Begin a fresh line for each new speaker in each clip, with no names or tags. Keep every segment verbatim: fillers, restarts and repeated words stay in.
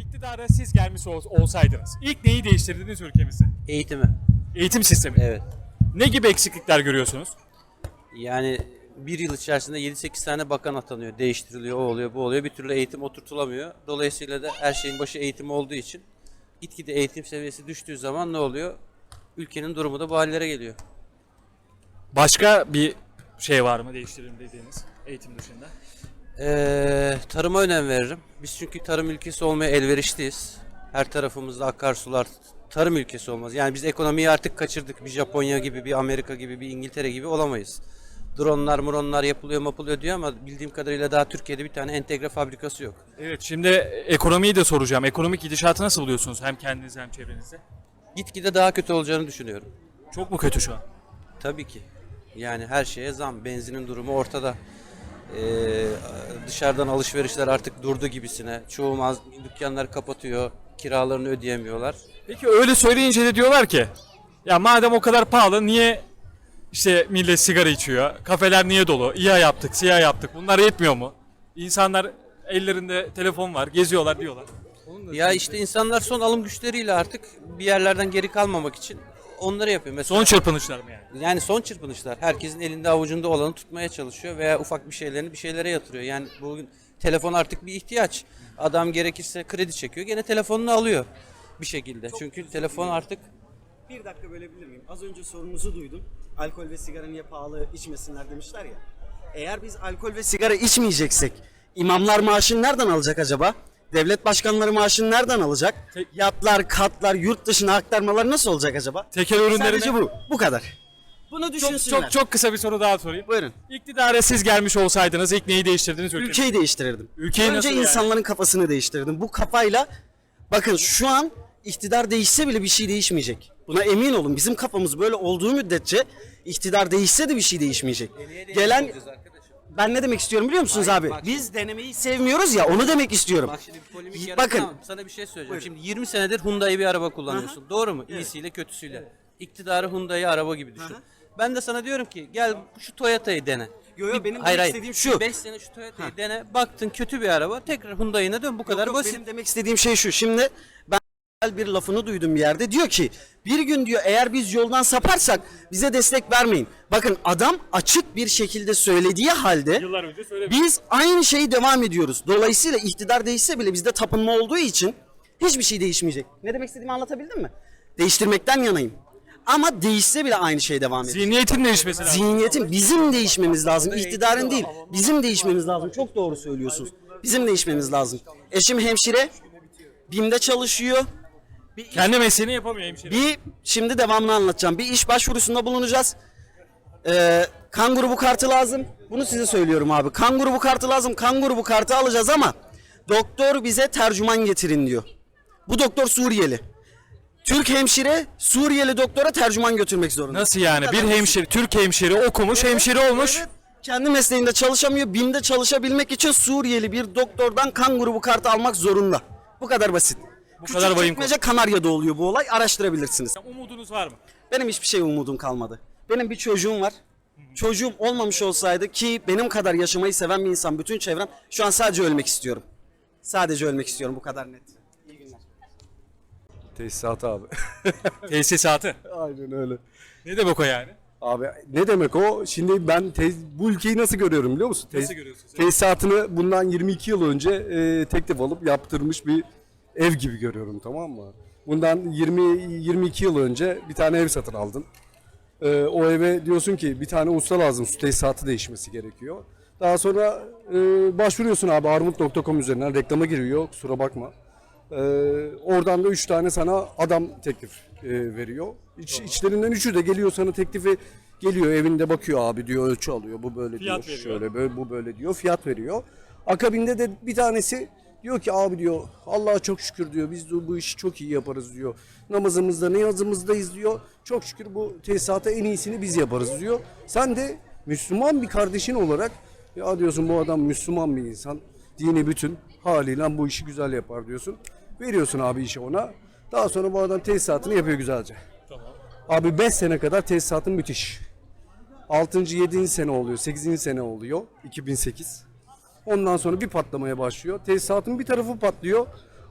İktidara siz gelmiş ol- olsaydınız ilk neyi değiştirdiniz ülkemizde?
Eğitimi.
Eğitim sistemi.
Evet.
Ne gibi eksiklikler görüyorsunuz?
Yani bir yıl içerisinde yedi sekiz tane bakan atanıyor, değiştiriliyor, o oluyor, bu oluyor. Bir türlü eğitim oturtulamıyor. Dolayısıyla da her şeyin başı eğitim olduğu için gitgide eğitim seviyesi düştüğü zaman ne oluyor? Ülkenin durumu da bu hallere geliyor.
Başka bir şey var mı değiştirelim dediğiniz eğitim dışında?
Ee, tarıma önem veririm. Biz çünkü tarım ülkesi olmaya elverişliyiz. Her tarafımızda akarsular, tarım ülkesi olmaz. Yani biz ekonomiyi artık kaçırdık. Bir Japonya gibi, bir Amerika gibi, bir İngiltere gibi olamayız. Dronlar, muronlar yapılıyor, mapılıyor diyor ama bildiğim kadarıyla daha Türkiye'de bir tane entegre fabrikası yok.
Evet, şimdi ekonomiyi de soracağım. Ekonomik gidişatı nasıl buluyorsunuz hem kendiniz hem çevrenizde?
Gitgide daha kötü olacağını düşünüyorum.
Çok mu kötü şu an?
Tabii ki. Yani her şeye zam. Benzinin durumu ortada. Ee, dışarıdan alışverişler artık durdu gibisine. Çoğu mağaz- dükkanlar kapatıyor. Kiralarını ödeyemiyorlar.
Peki öyle söyleyince de diyorlar ki ya madem o kadar pahalı niye işte millet sigara içiyor? Kafeler niye dolu? İHA yaptık, SİHA yaptık. Bunlar yetmiyor mu? İnsanlar ellerinde telefon var, geziyorlar diyorlar.
Ya işte insanlar son alım güçleriyle artık bir yerlerden geri kalmamak için onları yapıyor. Mesela
Son çırpınışlar mı yani?
yani son çırpınışlar. Herkesin elinde avucunda olanı tutmaya çalışıyor veya ufak bir şeylerini bir şeylere yatırıyor. Yani bugün telefon artık bir ihtiyaç. Adam gerekirse kredi çekiyor, gene telefonunu alıyor bir şekilde. Çünkü telefon artık
Bir dakika bölebilir miyim? Az önce sorunuzu duydum. Alkol ve sigara niye pahalı içmesinler demişler ya. Eğer biz alkol ve sigara içmeyeceksek imamlar maaşını nereden alacak acaba? Devlet başkanları maaşını nereden alacak?
Tek-
Yatlar, katlar, yurt dışına aktarmaları nasıl olacak acaba?
Tekel ürünlerine...
Sadece bu. Bu kadar. Bunu
Çok,
düşünsünler.
çok, çok kısa bir soru daha sorayım.
Buyurun.
İktidara siz gelmiş olsaydınız ilk neyi değiştirdiniz ülkemizde?
Ülkeyi değiştirirdim.
Ülkeyi
Önce
nasıl yani?
insanların kafasını değiştirirdim. Bu kafayla bakın şu an iktidar değişse bile bir şey değişmeyecek. Buna emin olun. Bizim kafamız böyle olduğu müddetçe iktidar değişse de bir şey değişmeyecek. Gelen ben ne demek istiyorum biliyor musunuz
Hayır,
abi?
bak
Biz denemeyi sevmiyoruz ya onu demek istiyorum.
bak şimdi bir polemik
Bakın.
yaratamam. Sana bir şey söyleyeceğim. Şimdi yirmi senedir Hyundai bir araba kullanıyorsun. Doğru mu? İyisiyle kötüsüyle. İktidarı Hyundai araba gibi düşün. Ben de sana diyorum ki gel şu Toyota'yı dene.
Yo, yo,
Bir-
benim
hayır,
demek
hayır.
istediğim şu.
beş sene şu Toyota'yı dene. Baktın kötü bir araba. Tekrar Hyundai'ne dön. Bu kadar
Yok,
basit.
benim demek istediğim şey şu. Şimdi ben bir lafını duydum bir yerde. Diyor ki bir gün diyor eğer biz yoldan saparsak bize destek vermeyin. Bakın adam açık bir şekilde söylediği halde
Yıllar önce söylemiştim.
biz aynı şeyi devam ediyoruz. Dolayısıyla iktidar değişse bile bizde tapınma olduğu için hiçbir şey değişmeyecek. Ne demek istediğimi anlatabildim mi? Değiştirmekten yanayım. Ama değişse bile aynı şey devam edecek.
Zihniyetin değişmesi lazım.
Zihniyetin bizim değişmemiz lazım. İktidarın değil. Bizim değişmemiz lazım. Çok doğru söylüyorsunuz. Bizim değişmemiz lazım. Eşim hemşire. BİM'de çalışıyor. Bir,
Kendi mesleğini yapamıyor hemşire.
bir şimdi devamını anlatacağım. Bir iş başvurusunda bulunacağız. Ee, kan grubu kartı lazım. Bunu size söylüyorum abi. Kan grubu kartı lazım. Kan grubu kartı alacağız ama doktor bize tercüman getirin diyor. Bu doktor Suriyeli. Türk hemşire Suriyeli doktora tercüman götürmek zorunda.
Nasıl yani?
Bu
Bir
kadar
hemşire, Türk hemşire okumuş, hemşire olmuş.
Evet, kendi mesleğinde çalışamıyor. BİM'de çalışabilmek için Suriyeli bir doktordan kan grubu kartı almak zorunda. Bu kadar basit. Bu
kadar vahim
Küçükçekmece Kanarya'da oluyor bu olay. Araştırabilirsiniz.
Umudunuz var mı?
Benim hiçbir şey umudum kalmadı. Benim bir çocuğum var. Çocuğum olmamış olsaydı ki benim kadar yaşamayı seven bir insan bütün çevrem şu an sadece ölmek istiyorum. Sadece ölmek istiyorum bu kadar net. İyi günler.
Tesisat abi.
Tesisatı.
Aynen öyle.
Ne demek o yani?
Abi ne demek o? Şimdi ben te- bu ülkeyi nasıl görüyorum biliyor musun?
Nasıl
Tes-
görüyorsun sen?
Tesisatını bundan yirmi iki yıl önce e, teklif alıp yaptırmış bir ev gibi görüyorum, tamam mı? Bundan yirmi yirmi iki yıl önce bir tane ev satın aldın. E, o eve diyorsun ki bir tane usta lazım, su tesisatı değişmesi gerekiyor. Daha sonra e, başvuruyorsun abi armut nokta com üzerinden, reklama giriyor, kusura bakma. Ee, oradan da üç tane sana adam teklif e, veriyor. İç, içlerinden üçü de geliyor sana teklifi geliyor evinde bakıyor abi diyor, ölçü alıyor, bu böyle
Fiyat
diyor,
veriyor.
şöyle böyle, bu böyle diyor, fiyat veriyor. Akabinde de bir tanesi diyor ki abi diyor Allah'a çok şükür diyor, biz de bu işi çok iyi yaparız diyor. Namazımızda niyazımızdayız diyor. Çok şükür bu tesisata en iyisini biz yaparız diyor. Sen de Müslüman bir kardeşin olarak ya diyorsun bu adam Müslüman bir insan, dini bütün haliyle bu işi güzel yapar diyorsun. Veriyorsun abi işi ona. Daha sonra bu adam tesisatını yapıyor güzelce.
Tamam.
Abi beş sene kadar tesisatın müthiş. altıncı yedinci sene oluyor, sekizinci sene oluyor. iki bin sekiz. Ondan sonra bir patlamaya başlıyor. Tesisatın bir tarafı patlıyor.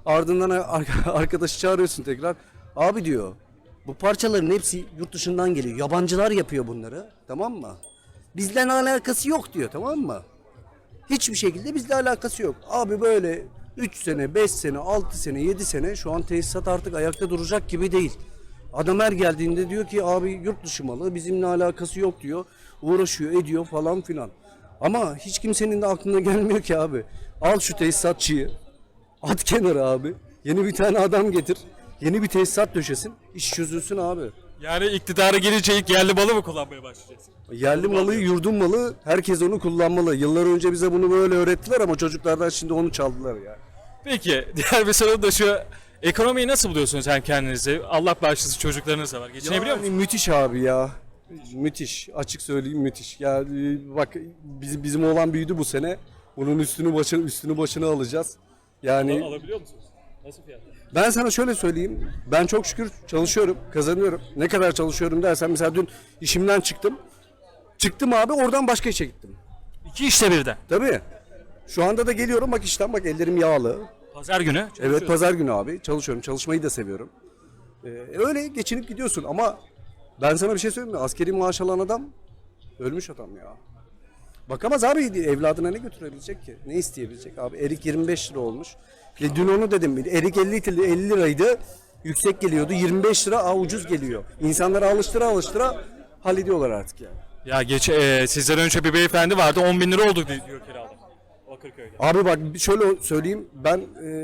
Ardından ar- arkadaşı çağırıyorsun tekrar. Abi diyor, bu parçaların hepsi yurt dışından geliyor. Yabancılar yapıyor bunları. Tamam mı? Bizle alakası yok diyor, tamam mı? Hiçbir şekilde bizle alakası yok. Abi böyle üç sene, beş sene, altı sene, yedi sene şu an tesisat artık ayakta duracak gibi değil. Adam her geldiğinde diyor ki abi yurt dışı malı bizimle alakası yok diyor. Uğraşıyor ediyor falan filan. Ama hiç kimsenin de aklına gelmiyor ki abi. Al şu tesisatçıyı. At kenara abi. Yeni bir tane adam getir. Yeni bir tesisat döşesin. İş çözülsün abi.
Yani iktidara gelince ilk yerli malı mı kullanmaya başlayacaksın?
Yerli malı, yurdun malı, herkes onu kullanmalı. Yıllar önce bize bunu böyle öğrettiler ama çocuklardan şimdi onu çaldılar ya.
Peki diğer bir soru da şu. Ekonomiyi nasıl buluyorsunuz hem kendinizi? Allah bağışlasın çocuklarınız da var. Geçinebiliyor
Yani
musunuz?
müthiş abi ya. Müthiş. Açık söyleyeyim müthiş. Ya e, bak bizim bizim oğlan büyüdü bu sene. Bunun üstünü başını üstünü başını alacağız. Yani
Alabiliyor musunuz? Nasıl fiyatlar?
ben sana şöyle söyleyeyim. Ben çok şükür çalışıyorum, kazanıyorum. Ne kadar çalışıyorum dersen mesela dün işimden çıktım. Çıktım abi oradan başka işe gittim.
İki işte birden.
Tabii. Şu anda da geliyorum bak işten bak ellerim yağlı.
Pazar günü.
Evet
çalışıyorsunuz.
pazar günü abi çalışıyorum. Çalışmayı da seviyorum. Ee, öyle geçinip gidiyorsun ama ben sana bir şey söyleyeyim mi? Askeri maaş alan adam ölmüş adam ya. Bakamaz abi evladına ne götürebilecek ki? Ne isteyebilecek abi? Erik yirmi beş lira olmuş. E, dün onu dedim. Erik elli, lira- elli liraydı. Yüksek geliyordu. yirmi beş lira aa, ucuz geliyor. İnsanları alıştıra alıştıra hallediyorlar artık yani.
Ya geç e, sizden önce bir beyefendi vardı on bin lira oldu di- diyor kiralık. Bakırköy'de.
Abi bak şöyle söyleyeyim. Ben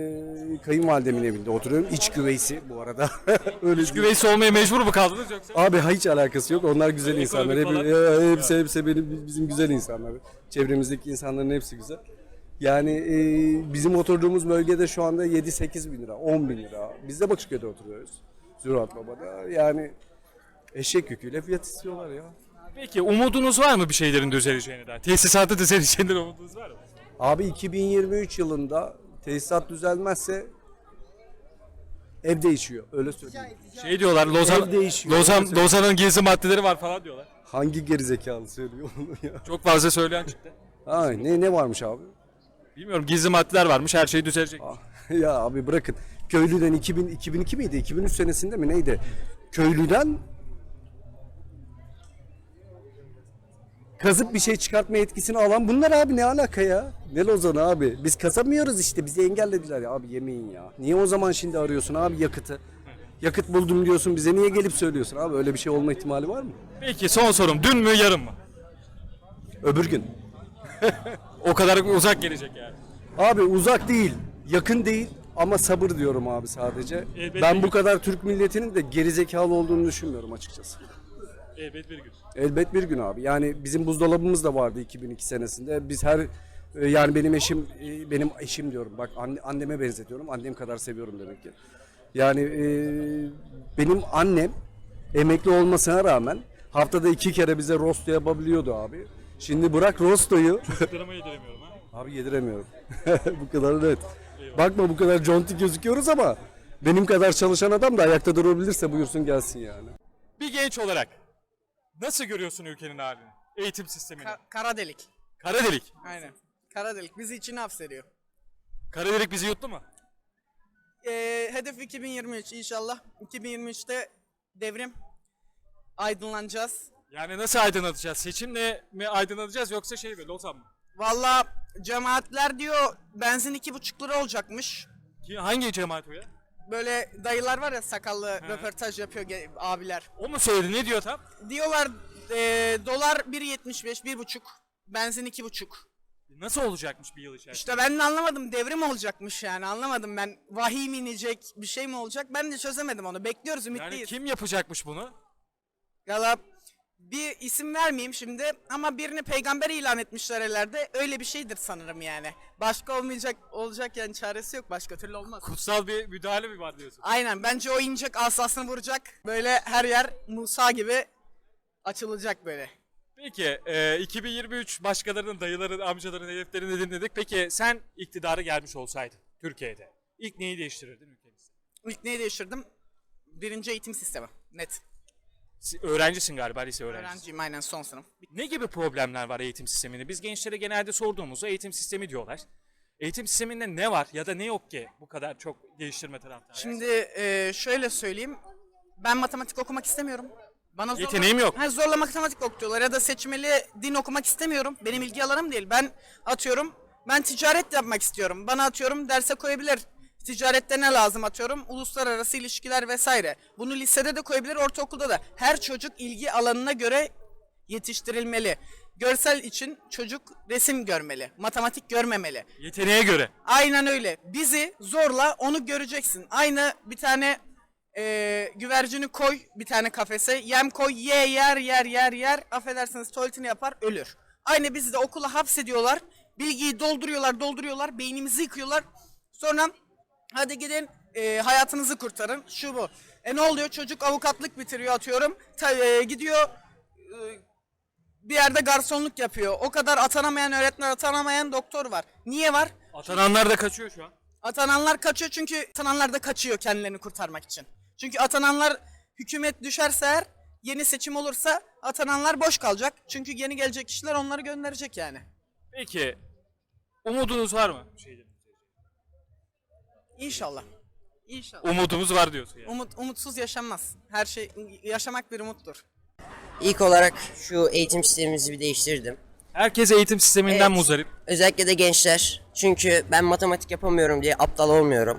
e, kayınvalidemin evinde oturuyorum. İç güveysi bu arada. Öyle İç
Güveysi olmaya mecbur mu kaldınız yoksa?
Abi hiç alakası yok. Onlar güzel insanlar. Hep,
falan.
ya, hepsi, hepsi benim, bizim güzel insanlar. Çevremizdeki insanların hepsi güzel. Yani e, bizim oturduğumuz bölgede şu anda yedi sekiz bin lira, on bin lira. Biz de Bakırköy'de oturuyoruz. Zürat Baba'da. Yani eşek yüküyle fiyat istiyorlar ya.
Peki umudunuz var mı bir şeylerin düzeleceğine dair? Tesisatı düzeleceğinden umudunuz var mı?
Abi iki bin yirmi üç yılında tesisat düzelmezse ev değişiyor. Öyle söyleyeyim.
Şey diyorlar Lozan,
Ev değişiyor.
Lozan, Lozan'ın gizli maddeleri var falan diyorlar.
Hangi gerizekalı söylüyor onu ya?
Çok fazla söyleyen çıktı.
Ha, ne, ne varmış abi?
Bilmiyorum gizli maddeler varmış her şey düzelecek.
Ya abi bırakın. Köylüden iki bin, iki bin iki miydi? iki bin üç senesinde mi neydi? Köylüden kazıp bir şey çıkartma yetkisini alan bunlar abi ne alaka ya? Ne Lozan abi? Biz kazamıyoruz işte bizi engellediler ya abi yemeyin ya. Niye o zaman şimdi arıyorsun abi yakıtı? Yakıt buldum diyorsun bize niye gelip söylüyorsun abi öyle bir şey olma ihtimali var mı?
Peki son sorum dün mü yarın mı?
Öbür gün.
O kadar uzak gelecek yani.
Abi uzak değil, yakın değil ama sabır diyorum abi sadece.
Elbet
ben
bir
bu
gün.
kadar Türk milletinin de gerizekalı olduğunu düşünmüyorum açıkçası.
Elbet bir gün.
Elbet bir gün abi. Yani bizim buzdolabımız da vardı iki bin iki senesinde. Biz her e, yani benim eşim e, benim eşim diyorum. Bak anne, anneme benzetiyorum. Annem kadar seviyorum demek ki. Yani e, benim annem emekli olmasına rağmen haftada iki kere bize rosto yapabiliyordu abi. Şimdi bırak rostoyu.
Çocuklarıma yediremiyorum ha.
Abi yediremiyorum. Bu kadar net. Bakma bu kadar conti gözüküyoruz ama benim kadar çalışan adam da ayakta durabilirse buyursun gelsin yani.
Bir genç olarak nasıl görüyorsun ülkenin halini? Eğitim sistemini.
Ka- kara delik.
Kara delik.
Aynen. Kara delik bizi içine hapsediyor.
Kara delik bizi yuttu mu?
Ee, hedef iki bin yirmi üç inşallah. iki bin yirmi üçte devrim. Aydınlanacağız.
Yani nasıl aydınlatacağız? Seçimle mi aydınlatacağız yoksa şey mi? Lozan mı?
Valla cemaatler diyor benzin iki buçuk lira olacakmış.
Ki hangi cemaat o ya?
Böyle dayılar var ya sakallı röportaj yapıyor ge- abiler.
O mu söyledi? Ne diyor tam?
Diyorlar ee, dolar bir yetmiş beş bir buçuk. Benzin iki buçuk.
Nasıl olacakmış bir yıl içerisinde?
İşte ben de anlamadım devrim olacakmış yani anlamadım ben. Vahiy mi inecek bir şey mi olacak ben de çözemedim onu. Bekliyoruz ümitliyiz.
Yani kim yapacakmış bunu?
Valla bir isim vermeyeyim şimdi ama birini peygamber ilan etmişler ellerde. Öyle bir şeydir sanırım yani. Başka olmayacak olacak yani çaresi yok başka türlü olmaz.
Kutsal bir müdahale mi var diyorsun?
Aynen bence o inecek asasını vuracak. Böyle her yer Musa gibi açılacak böyle.
Peki e, iki bin yirmi üç başkalarının, dayıların, amcaların hedeflerini dinledik. Peki sen iktidara gelmiş olsaydın Türkiye'de ilk neyi değiştirirdin ülkemizde?
İlk neyi değiştirdim? Birinci eğitim sistemi. Net.
Si- Öğrencisin galiba, lise öğrencisi.
Öğrenciyim aynen son sınıf.
Ne gibi problemler var eğitim sisteminde? Biz gençlere genelde sorduğumuzda eğitim sistemi diyorlar. Eğitim sisteminde ne var ya da ne yok ki bu kadar çok geliştirme taraftarı?
Şimdi e, şöyle söyleyeyim. Ben matematik okumak istemiyorum. Bana zorla-
Yeteneğim yok.
Ha, zorla matematik okutuyorlar ya da seçmeli din okumak istemiyorum. Benim ilgi alanım değil. Ben atıyorum ben ticaret yapmak istiyorum. Bana atıyorum derse koyabilir. Ticarette ne lazım atıyorum? Uluslararası ilişkiler vesaire. Bunu lisede de koyabilir, ortaokulda da. Her çocuk ilgi alanına göre yetiştirilmeli. Görsel için çocuk resim görmeli. Matematik görmemeli.
Yeteneğe göre.
Aynen öyle. Bizi zorla onu göreceksin. Aynı bir tane e, güvercini koy bir tane kafese. Yem koy, ye yer yer yer yer. Affedersiniz tuvaletini yapar, ölür. Aynı bizi de okula hapsediyorlar. Bilgiyi dolduruyorlar dolduruyorlar. Beynimizi yıkıyorlar. Sonra hadi gidin e, hayatınızı kurtarın. Şu bu. E ne oluyor? Çocuk avukatlık bitiriyor atıyorum. Ta, e, gidiyor e, bir yerde garsonluk yapıyor. O kadar atanamayan öğretmen, atanamayan doktor var. Niye var?
Atananlar da kaçıyor şu an.
Atananlar kaçıyor çünkü atananlar da kaçıyor kendilerini kurtarmak için. Çünkü atananlar hükümet düşerse eğer, yeni seçim olursa atananlar boş kalacak. Çünkü yeni gelecek kişiler onları gönderecek yani.
Peki umudunuz var mı?
İnşallah. İnşallah.
Umudumuz var diyorsun yani.
Umut, umutsuz yaşanmaz. Her şey, yaşamak bir umuttur.
İlk olarak şu eğitim sistemimizi bir değiştirdim.
Herkes eğitim sisteminden
Evet.
muzdarip.
Özellikle de gençler. Çünkü ben matematik yapamıyorum diye aptal olmuyorum.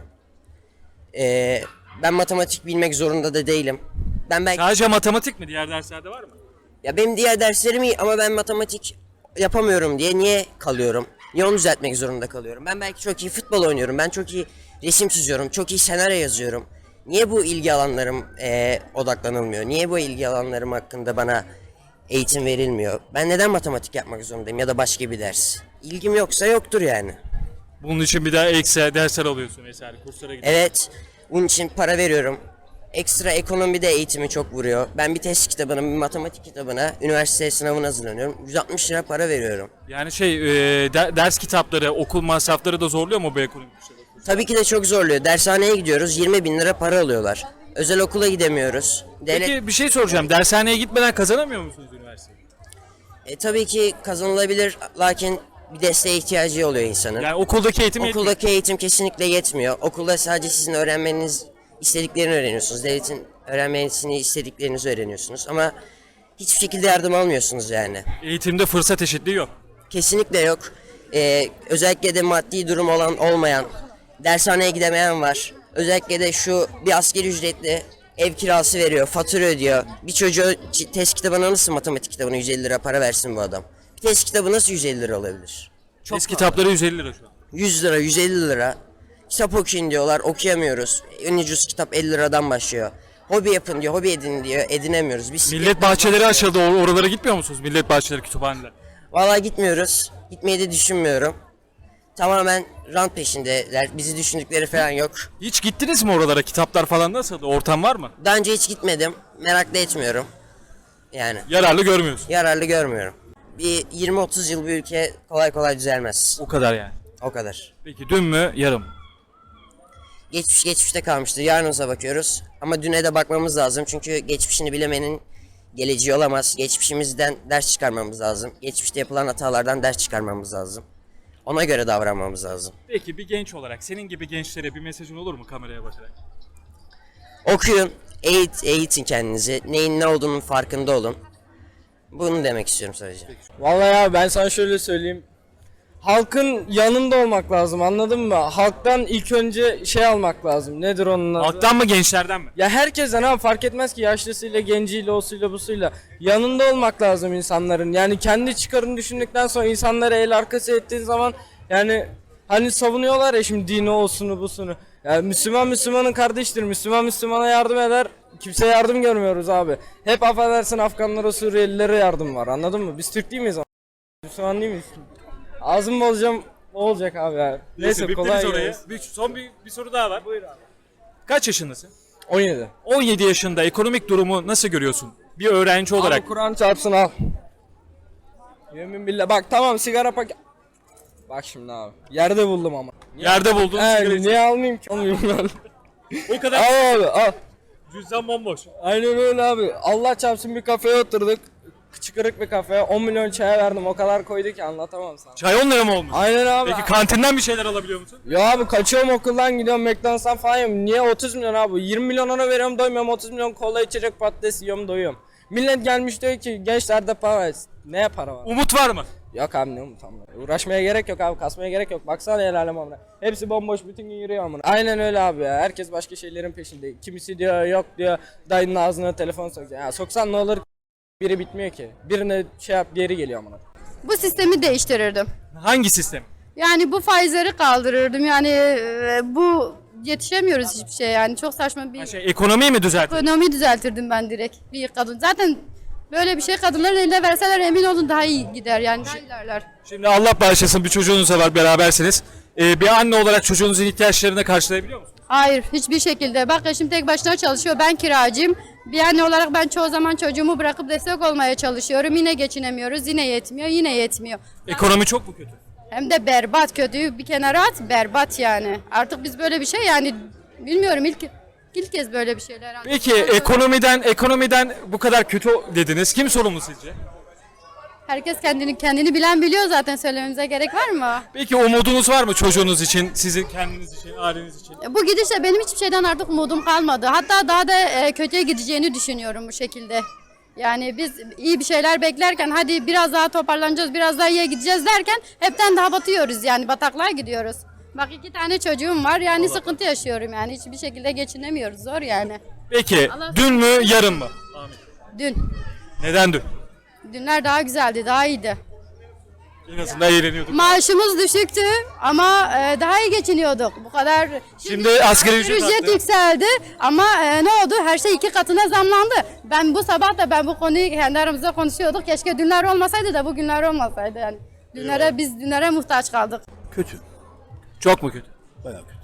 Ee, ben matematik bilmek zorunda da değilim. Ben belki
Sadece matematik mi? Diğer derslerde var mı?
ya benim diğer derslerim iyi ama ben matematik yapamıyorum diye niye kalıyorum? Niye onu düzeltmek zorunda kalıyorum? Ben belki çok iyi futbol oynuyorum. Ben çok iyi resim çiziyorum. Çok iyi senaryo yazıyorum. Niye bu ilgi alanlarım eee, odaklanılmıyor? Niye bu ilgi alanlarım hakkında bana eğitim verilmiyor? Ben neden matematik yapmak zorundayım ya da başka bir ders? İlgim yoksa yoktur yani.
Bunun için bir daha ekstra dersler alıyorsun vesaire. Kurslara gidiyorsun.
Evet, bunun için para veriyorum. Ekstra ekonomide eğitimi çok vuruyor. Ben bir test kitabına, bir matematik kitabına, üniversite sınavına hazırlanıyorum. yüz altmış lira para veriyorum.
Yani şey e, de- ders kitapları, okul masrafları da zorluyor mu bu ekonomik güçleri?
Tabii ki de çok zorluyor. Dershaneye gidiyoruz, yirmi bin lira para alıyorlar. Özel okula gidemiyoruz. Devlet,
Peki bir şey soracağım. Dershaneye gitmeden kazanamıyor musunuz üniversiteyi?
e, tabii ki kazanılabilir lakin bir desteğe ihtiyacı oluyor insanın.
Yani okuldaki eğitim yetmiyor.
Okuldaki eğitim kesinlikle yetmiyor. Okulda sadece sizin öğrenmeniz istediklerini öğreniyorsunuz. Devletin öğrenmesini istediklerinizi öğreniyorsunuz ama hiçbir şekilde yardım almıyorsunuz yani.
Eğitimde fırsat eşitliği yok.
Kesinlikle yok. Ee, özellikle de maddi durum olan olmayan, dershaneye gidemeyen var. Özellikle de şu bir asgari ücretli ev kirası veriyor, fatura ödüyor. Bir çocuğa c- test kitabına nasıl matematik kitabına yüz elli lira para versin bu adam? Bir test kitabı nasıl yüz elli lira olabilir? Çok
Test kitapları yüz elli lira şu an.
yüz lira, yüz elli lira. Kitap okuyun diyorlar, okuyamıyoruz. En ucuz kitap elli liradan başlıyor. Hobi yapın diyor, hobi edin diyor, edinemiyoruz. Biz
Millet bahçeleri açıldı. Or- Oralara gitmiyor musunuz? Millet bahçeleri, kütüphaneler.
Vallahi gitmiyoruz. Gitmeyi de düşünmüyorum. Tamamen rant peşindeler. Bizi düşündükleri falan yok.
Hiç gittiniz mi oralara? Kitaplar falan nasıldı? Ortam var mı?
Daha önce hiç gitmedim. Merak da etmiyorum. Yani
Yararlı görmüyorsun.
yararlı görmüyorum. Bir yirmi otuz yıl bir ülke kolay kolay düzelmez.
O kadar yani.
O kadar.
Peki dün mü, yarın mı?
Geçmiş geçmişte kalmıştır. Yarınıza bakıyoruz. Ama düne de bakmamız lazım. Çünkü geçmişini bilemenin geleceği olamaz. Geçmişimizden ders çıkarmamız lazım. Geçmişte yapılan hatalardan ders çıkarmamız lazım. Ona göre davranmamız lazım.
Peki bir genç olarak senin gibi gençlere bir mesajın olur mu kameraya bakarak?
Okuyun, eğit, eğitin kendinizi. Neyin ne olduğunun farkında olun. Bunu demek istiyorum sadece.
Vallahi ya ben sana şöyle söyleyeyim. Halkın yanında olmak lazım, anladın mı? Halktan ilk önce şey almak lazım. Nedir onun adı?
Halktan mı, gençlerden mi?
Ya herkesten ha, fark etmez ki yaşlısıyla, genciyle, osuyla, busuyla. Yanında olmak lazım insanların. Yani kendi çıkarını düşündükten sonra insanlara el arkası ettiğin zaman yani hani savunuyorlar ya şimdi dini olsunu busunu. Yani Müslüman Müslümanın kardeştir. Müslüman Müslümana yardım eder. Kimseye yardım görmüyoruz abi. Hep affedersin Afganlara, Suriyelilere yardım var. Anladın mı? Biz Türk değil miyiz ama? Müslüman değil miyiz? Ağzımı bozacağım, o olacak abi ya. Neyse
bittiniz
kolay
oraya.
gelsin.
Bir, son bir, bir soru daha var. Buyur abi. Kaç yaşındasın?
on yedi.
on yedi yaşında ekonomik durumu nasıl görüyorsun? Bir öğrenci olarak.
Abi Kur'an çarpsın al. Yemin billah. Bak tamam sigara paket. Bak şimdi abi. Yerde buldum ama.
Yerde buldun sigara
He,
içiyorsun.
niye almayayım ki? Almayayım lan.
O kadar
Al abi al.
cüzdan bomboş.
Aynen öyle abi. Allah çarpsın bir kafeye oturduk. çıkırık bir kafe. on milyon çaya verdim. O kadar koydu ki anlatamam sana.
Çay on lira mı olmuş?
Aynen abi.
Peki kantinden bir şeyler alabiliyor musun?
Ya abi kaçıyorum okuldan gidiyorum McDonald's'tan falan yiyorum. Niye otuz milyon abi? yirmi milyon ona veriyorum doymuyorum. otuz milyon kola içecek patates yiyorum doyuyorum. Millet gelmiş diyor ki gençlerde para var. Ne para var?
Umut var mı?
Yok abi ne umut amına. Uğraşmaya gerek yok abi, kasmaya gerek yok. Baksana el alem amına. Hepsi bomboş bütün gün yürüyor amına. Aynen öyle abi ya. Herkes başka şeylerin peşinde. Kimisi diyor yok diyor dayının ağzına telefon sokacak. Ya soksan ne olur, biri bitmiyor ki. Birine şey yap geri geliyor amına.
Bu sistemi değiştirirdim.
Hangi sistem?
Yani bu faizleri kaldırırdım. Yani e, bu yetişemiyoruz hiçbir şey yani. Çok saçma bir
Ha şey, ekonomiyi mi düzeltir?
ekonomi düzeltirdim ben direkt. Bir kadın. Zaten böyle bir şey kadınların eline verseler emin olun daha iyi gider yani. Daha ilerler.
Şimdi Allah bağışlasın bir çocuğunuz da var, berabersiniz. Ee, bir anne olarak çocuğunuzun ihtiyaçlarını karşılayabiliyor musunuz?
Hayır hiçbir şekilde. Bak eşim tek başına çalışıyor. Ben kiracıyım. Bir anne olarak ben çoğu zaman çocuğumu bırakıp destek olmaya çalışıyorum. Yine geçinemiyoruz. Yine yetmiyor. Yine yetmiyor.
Ekonomi çok mu kötü?
Hem de berbat, kötüyü bir kenara at, berbat yani. Artık biz böyle bir şey yani bilmiyorum ilk ilk kez böyle bir şeyler.
Peki ekonomiden ekonomiden bu kadar kötü dediniz. Kim sorumlu sizce?
Herkes kendini kendini bilen biliyor zaten, söylememize gerek var mı?
Peki umudunuz var mı çocuğunuz için, sizin kendiniz için, aileniz için?
Bu gidişle benim hiçbir şeyden artık umudum kalmadı. Hatta daha da e, kötüye gideceğini düşünüyorum bu şekilde. Yani biz iyi bir şeyler beklerken hadi biraz daha toparlanacağız, biraz daha iyiye gideceğiz derken hepten daha batıyoruz yani, bataklığa gidiyoruz. Bak iki tane çocuğum var yani sıkıntı yaşıyorum yani, hiçbir şekilde geçinemiyoruz, zor yani.
Peki
Allah-
dün mü yarın mı?
Dün,
Neden dün?
dünler daha güzeldi, daha iyiydi.
En azından eğleniyorduk.
Maaşımız düşüktü ama e, daha iyi geçiniyorduk. Bu kadar.
Şimdi asgari ücret arttı.
yükseldi ama e, ne oldu? Her şey iki katına zamlandı. Ben bu sabah da ben bu konuyu kendi aramızda konuşuyorduk. Keşke dünler olmasaydı da bugünler olmasaydı yani. Dünlere biz dünlere muhtaç kaldık.
Kötü.
Çok mu kötü?
Bayağı kötü.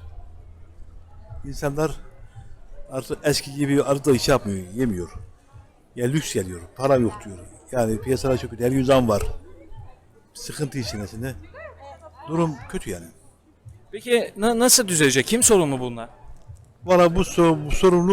İnsanlar artık eski gibi arada iş yapmıyor, yemiyor. Ya lüks geliyor, para yok diyor. Yani piyasalar çok kötü, her gün zam var. Sıkıntı içerisinde. Durum kötü yani.
Peki na- nasıl düzelecek? Kim sorumlu bunlar?
Valla bu, sor- bu sorumluluk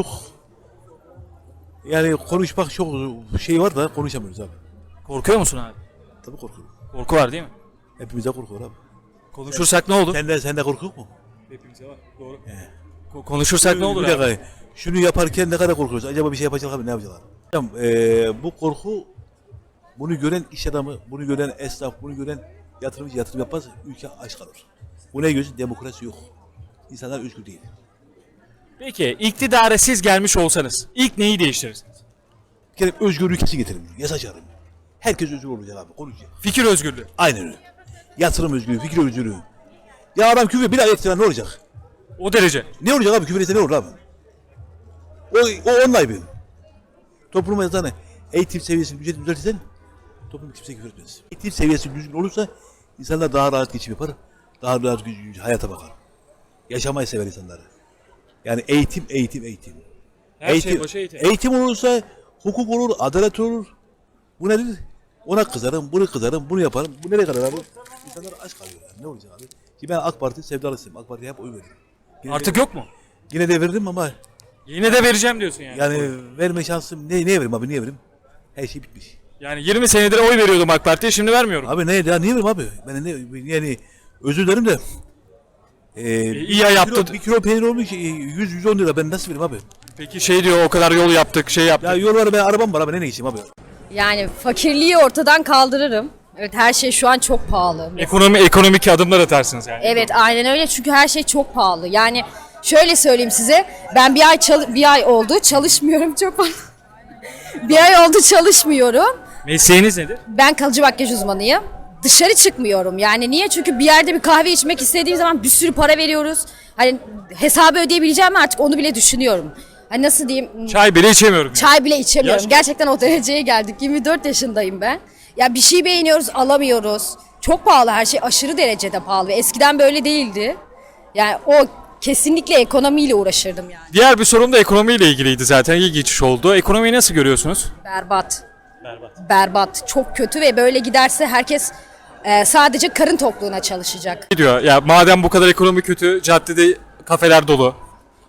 yani konuşmak çok şey var da konuşamıyoruz abi.
Korkuyor musun abi?
Tabii korkuyorum.
Korku var değil mi?
Hepimize korku var abi.
Konuşursak ne olur?
Sende, sende korku yok mu?
Hepimize var. Doğru. Ko- konuşursak ne olur
Bir
abi?
dakika, şunu yaparken ne kadar korkuyoruz? Acaba bir şey yapacak abi, ne yapacaklar? Hocam, eee, bu korku, bunu gören iş adamı, bunu gören esnaf, bunu gören yatırımcı yatırım yapmaz, ülke aç kalır. Bu ne gözü? Demokrasi yok. İnsanlar özgür değil.
Peki iktidara siz gelmiş olsanız ilk neyi değiştirirsiniz?
Bir kere özgür ülkesi getirin, yasa çağırın. Herkes özgür olacak abi, konuşacak.
Fikir özgürlüğü.
Aynen öyle. Yatırım özgürlüğü, fikir özgürlüğü. Ya adam küfür bir ay ettiler, ne olacak?
O derece.
Ne olacak abi, küfür etse ne olur abi? O, o onun ayıbı. Topluma yazan eğitim seviyesini düzelt düzeltirsen toplum kimse küfür etmez. Eğitim seviyesi düzgün olursa insanlar daha rahat geçim yapar, daha rahat hayata bakar. Yaşamayı sever insanları. Yani eğitim, eğitim, eğitim.
Her
eğitim,
şey başı eğitim.
Eğitim olursa hukuk olur, adalet olur. Bu nedir? Ona kızarım, bunu kızarım, bunu yaparım. Bu nereye kadar abi? İnsanlar aç kalıyor yani. Ne olacak abi? Ki ben AK Parti sevdalısıyım. AK Parti'ye hep oy verdim. Yine
Artık
de,
yok mu?
Yine de verdim ama
Yine de vereceğim diyorsun yani.
yani verme şansım ne neye vereyim abi, niye vereyim? Her şey bitmiş.
Yani yirmi senedir oy veriyordum AK Parti'ye, şimdi vermiyorum.
Abi ne ya, niye vereyim abi? Ben ne yani özür dilerim de e,
iyi ya yaptı.
Kilo, bir kilo peynir olmuş yüz yüz on lira, ben nasıl vereyim abi?
Peki şey diyor, o kadar yol yaptık, şey yaptık.
Ya yol var, ben arabam var abi, ne ne geçeyim abi?
Yani fakirliği ortadan kaldırırım. Evet, her şey şu an çok pahalı.
Ekonomi ekonomik adımlar atarsınız yani.
Evet, aynen öyle, çünkü her şey çok pahalı. Yani şöyle söyleyeyim size, ben bir ay çal- bir ay oldu çalışmıyorum, çok pardon. bir ay oldu çalışmıyorum.
Mesleğiniz nedir?
Ben kalıcı makyaj uzmanıyım. Dışarı çıkmıyorum. Yani niye? Çünkü bir yerde bir kahve içmek istediğim zaman bir sürü para veriyoruz. Hani hesabı ödeyebileceğim mi artık, onu bile düşünüyorum. Hani nasıl diyeyim?
Çay bile içemiyorum yani.
Çay bile içemiyorum.
Yaş-
Gerçekten o dereceye geldik. yirmi dört yaşındayım ben. Ya bir şey beğeniyoruz, alamıyoruz. Çok pahalı, her şey aşırı derecede pahalı. Ve eskiden böyle değildi. Yani o kesinlikle ekonomiyle uğraşırdım yani.
Diğer bir sorun da ekonomiyle ilgiliydi zaten. İyi geçiş oldu. Ekonomiyi nasıl görüyorsunuz?
Berbat. Berbat. Berbat. Çok kötü ve böyle giderse herkes e, sadece karın tokluğuna çalışacak.
Ne diyor? Ya madem bu kadar ekonomi kötü, caddede kafeler dolu.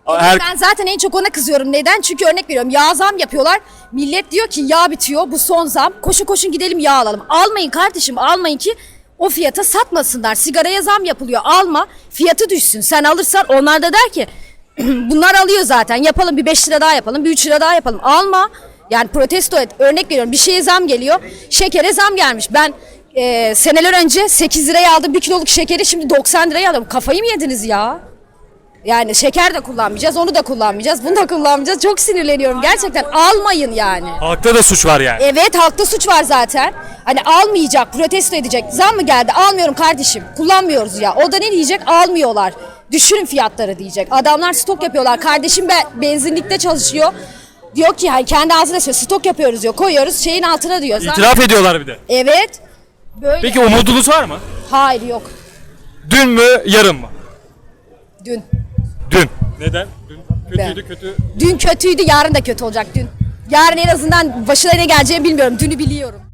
Her,
Ben zaten en çok ona kızıyorum. Neden? Çünkü örnek veriyorum. Yağ zam yapıyorlar. Millet diyor ki yağ bitiyor. Bu son zam. Koşun koşun gidelim yağ alalım. Almayın kardeşim, almayın ki o fiyata satmasınlar. Sigaraya zam yapılıyor. Alma. Fiyatı düşsün. Sen alırsan onlar da der ki bunlar alıyor zaten. Yapalım bir beş lira daha yapalım. Bir üç lira daha yapalım. Alma. Yani protesto et. Örnek veriyorum. Bir şeye zam geliyor. Şekere zam gelmiş. Ben e, seneler önce sekiz liraya aldım bir kiloluk şekeri. Şimdi doksan liraya alıyorum. Kafayı mı yediniz ya? Yani şeker de kullanmayacağız, onu da kullanmayacağız, bunu da kullanmayacağız. Çok sinirleniyorum. Gerçekten almayın yani.
halkta da suç var yani.
Evet, halkta suç var zaten. Hani almayacak, protesto edecek. Zam mı geldi? Almıyorum kardeşim. Kullanmıyoruz ya. O da ne diyecek? Almıyorlar. Düşürün fiyatları diyecek. Adamlar stok yapıyorlar. Kardeşim be, benzinlikte çalışıyor. Diyor ki hani kendi ağzına söylüyor. Stok yapıyoruz diyor. Koyuyoruz şeyin altına diyor. Zam-
İtiraf ediyorlar bir de.
Evet. Böyle.
Peki umudunuz var mı?
Hayır yok.
Dün mü, yarın mı?
Dün.
Dün. Neden? Dün kötüydü, kötü.
Dün kötüydü, yarın da kötü olacak dün. Yarın en azından başına ne geleceğini bilmiyorum. Dünü biliyorum.